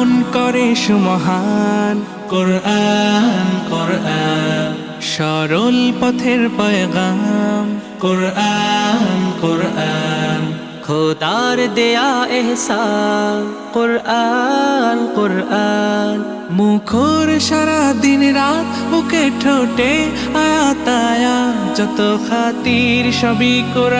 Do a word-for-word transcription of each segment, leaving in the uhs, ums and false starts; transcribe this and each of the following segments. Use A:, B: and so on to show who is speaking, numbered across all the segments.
A: করে সুমহান কোরআন কোরআন সরল পথের পয়গাম কোরআন কোরআন
B: খোদার দেয়া এহসান কুরআন কুরআন
A: মুখর সারা দিন রাত বুকে ঠোঁটে আয়াত আয়াত যত খাতির সবই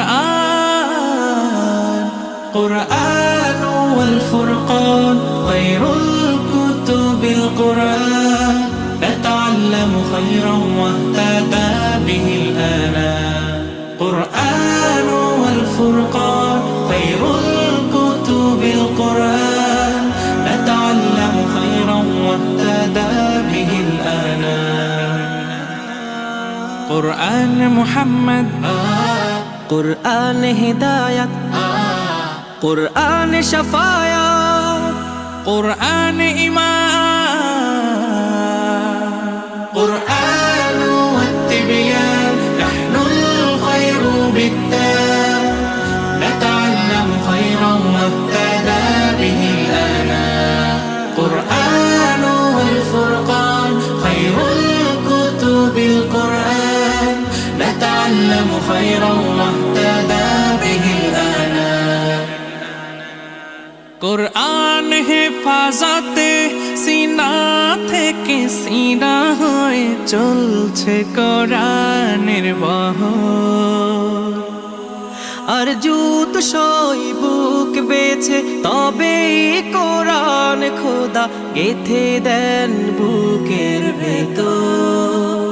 A: কোরআন কোরআন ওয়াল ফুরকান খায়রুল কুতুবিল কোরআন نتعلم خيرا واهتدى به الآنام قرآن والفرقان خير الكتب القرآن نتعلم خيرا واهتدى به الآنام قرآن محمد
B: কুরআন হিদায়াত কুরআন শাফায়াত
A: قرآن إيمان قرآن والتبيان نحن الخير بالتام نتعلم خيرا واهتدى به الآنام قرآن والفرقان خير الكتب القرآن نتعلم خيرا واهتدى به الآنام কোরআন হেফাজতে সিনা থেকে সিনা হয়ে চলছে কোরআনের বহর
B: আর জুত সই বুক বেছে তবে কোরআন খোদা গেথে দেন বুকের ভেতর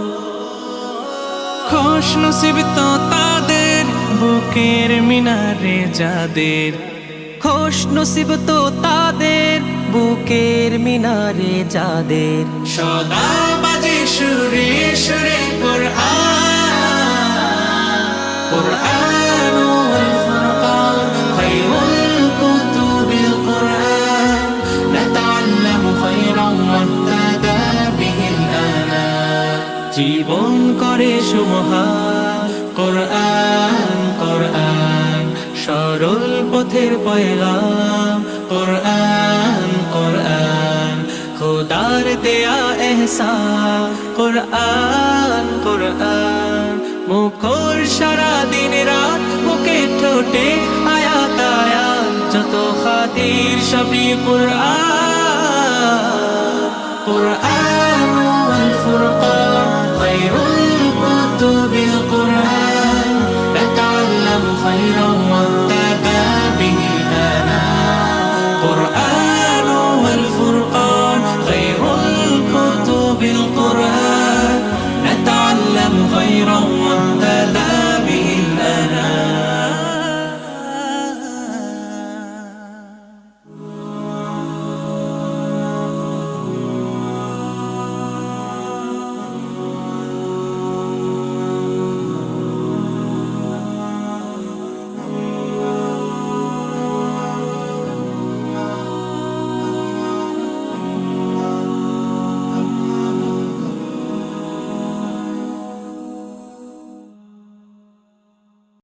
A: খুশ নসিব তো তাদের বুকের মিনারে যাদের
B: খুশ নসিব তো তাদের বুকের মিনারে যাদের
A: সদা বাজে সুরে সুরে কোরআন কোরআন ওয়াল ফুরকান খায়রুল কুতুবিল কোরআন نتعلم خيرا واهتدى به الآنام জীবন করে সুমহান কোরআন কোরআন সরল পথের পয়গাম কোরআন কোরআন খোদার দেয়া এহসান কোরআন কোরআন মুখর সারা দিন রাত বুকে ঠোঁটে আয়াত আয়াত যত খাতির সবই কোরআন কোরআন